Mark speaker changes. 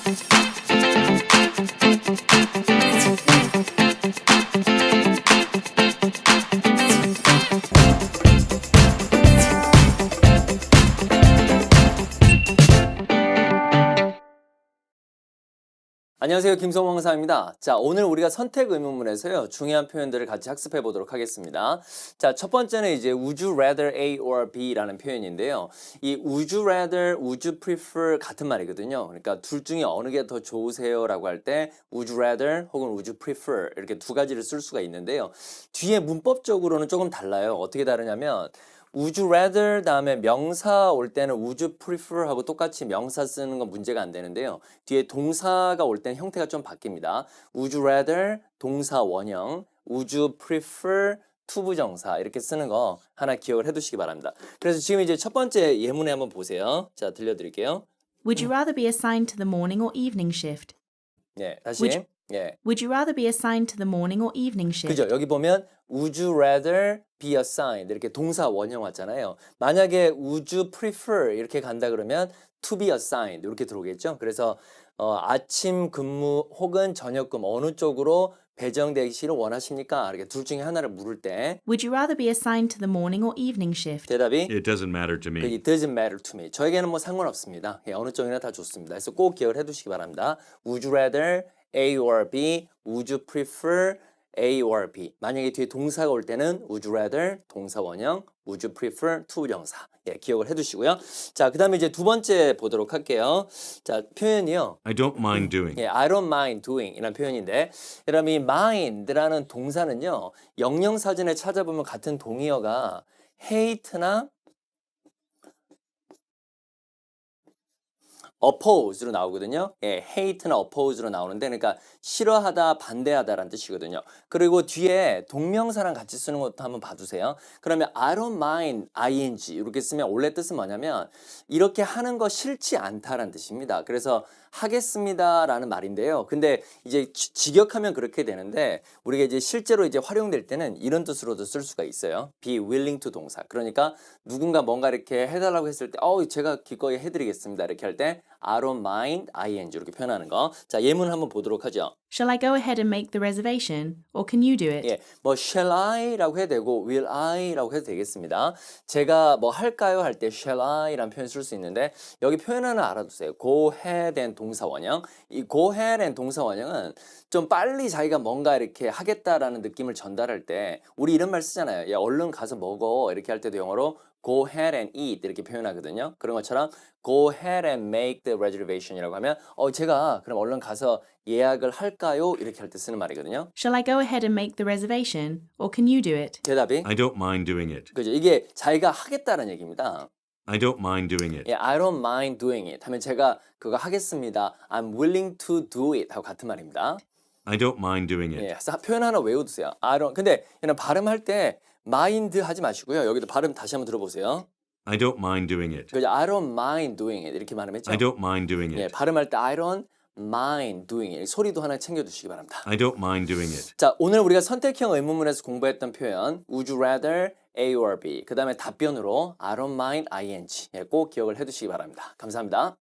Speaker 1: 안녕하세요. 김성호 강사입니다. 자, 오늘 우리가 선택 의문문에서요, 중요한 표현들을 같이 학습해 보도록 하겠습니다. 자, 첫 번째는 이제 would you rather A or B라는 표현인데요. 이 would you rather, would you prefer 같은 말이거든요. 그러니까 둘 중에 어느 게 더 좋으세요라고 할 때 would you rather 혹은 would you prefer 이렇게 두 가지를 쓸 수가 있는데요. 뒤에 문법적으로는 조금 달라요. 어떻게 다르냐면 would you rather 다음에 명사 올 때는 would you prefer 하고 똑같이 명사 쓰는 건 문제가 안 되는데요. 뒤에 동사가 올 때는 형태가 좀 바뀝니다. would you rather 동사 원형, would you prefer 투부정사 이렇게 쓰는 거 하나 기억을 해두시기 바랍니다. 그래서 지금 이제 첫 번째 예문에 한번 보세요. 자, 들려드릴게요.
Speaker 2: Would you rather be assigned to the morning or evening shift?
Speaker 1: 네, 다시.
Speaker 2: Would
Speaker 1: 예.
Speaker 2: Would you rather be assigned to the morning or evening shift?
Speaker 1: 그죠? 여기 보면 would you rather be assigned 이렇게 동사 원형 왔잖아요. 만약에 would you prefer 이렇게 간다 그러면 to be assigned 이렇게 들어오겠죠? 그래서 아침 근무 혹은 저녁 근무 어느 쪽으로 배정되기를 원하십니까? 이렇게 둘 중에 하나를 물을 때
Speaker 2: Would you rather be assigned to the morning or evening shift?
Speaker 1: 대답이
Speaker 3: It doesn't matter to me.
Speaker 1: It doesn't matter to me. 저에게는 뭐 상관없습니다. 예, 어느 쪽이나 다 좋습니다. 그래서 꼭 기억을 해두시기 바랍니다. Would you rather A or B? Would you prefer A or B? 만약에 뒤에 동사가 올 때는 Would you rather 동사 원형, Would you prefer 투부정사. 예, 기억을 해두시고요. 자, 그 다음에 이제 두 번째 보도록 할게요. 자, 표현이요.
Speaker 3: I don't mind doing.
Speaker 1: 예, I don't mind doing 이라는 표현인데, 여러분 이 mind라는 동사는요, 영영사전에 찾아보면 같은 동의어가 hate나 oppose로 나오거든요. 예, hate나 oppose로 나오는데, 그러니까 싫어하다, 반대하다라는 뜻이거든요. 그리고 뒤에 동명사랑 같이 쓰는 것도 한번 봐주세요. 그러면 I don't mind ing 이렇게 쓰면 원래 뜻은 뭐냐면 이렇게 하는 거 싫지 않다라는 뜻입니다. 그래서 하겠습니다라는 말인데요. 근데 이제 직역하면 그렇게 되는데 우리가 이제 실제로 이제 활용될 때는 이런 뜻으로도 쓸 수가 있어요. be willing to 동사. 그러니까 누군가 뭔가 이렇게 해달라고 했을 때, 제가 기꺼이 해드리겠습니다. 이렇게 할 때 I don't mind ing 이렇게 표현하는 거. 자, 예문을 한번 보도록 하죠.
Speaker 2: Shall I go ahead and make the reservation, or can you do it?
Speaker 1: 예, 뭐 shall I라고 해도 되고 will I라고 해도 되겠습니다. 제가 뭐 할까요 할 때 shall I라는 표현 쓸 수 있는데 여기 표현 하나 알아두세요. go ahead and 동사 원형. 이 go ahead and 동사 원형은 좀 빨리 자기가 뭔가 이렇게 하겠다라는 느낌을 전달할 때 우리 이런 말 쓰잖아요. 야, 얼른 가서 먹어 이렇게 할 때도 영어로 go ahead and eat 이렇게 표현하거든요. 그런 것처럼 go ahead and make the reservation이라고 하면 제가 그럼 얼른 가서 예약을 할까요? 이렇게 할 때 쓰는 말이거든요.
Speaker 2: Shall I go ahead and make the reservation, or can you do it?
Speaker 1: 대답이
Speaker 3: I don't mind doing it.
Speaker 1: 그죠? 이게 자기가 하겠다는 얘기입니다.
Speaker 3: I don't mind doing it.
Speaker 1: 예, I don't mind doing it 하면 제가 그거 하겠습니다. I'm willing to do it 하고 같은 말입니다.
Speaker 3: I don't mind doing it.
Speaker 1: 예, 표현 하나 외워두세요. 근데 얘는 발음할 때 mind 하지 마시고요. 여기도 발음 다시 한번 들어보세요.
Speaker 3: I don't mind doing it.
Speaker 1: 그죠? I don't mind doing it 이렇게 발음했죠.
Speaker 3: I don't mind doing
Speaker 1: 예,
Speaker 3: it.
Speaker 1: 발음할 때 I don't mind doing it 소리도 하나 챙겨두시기 바랍니다.
Speaker 3: I don't mind doing it.
Speaker 1: 자, 오늘 우리가 선택형 의문문에서 공부했던 표현 Would you rather A or B 그 다음에 답변으로 I don't mind ing 꼭 기억을 해두시기 바랍니다. 감사합니다.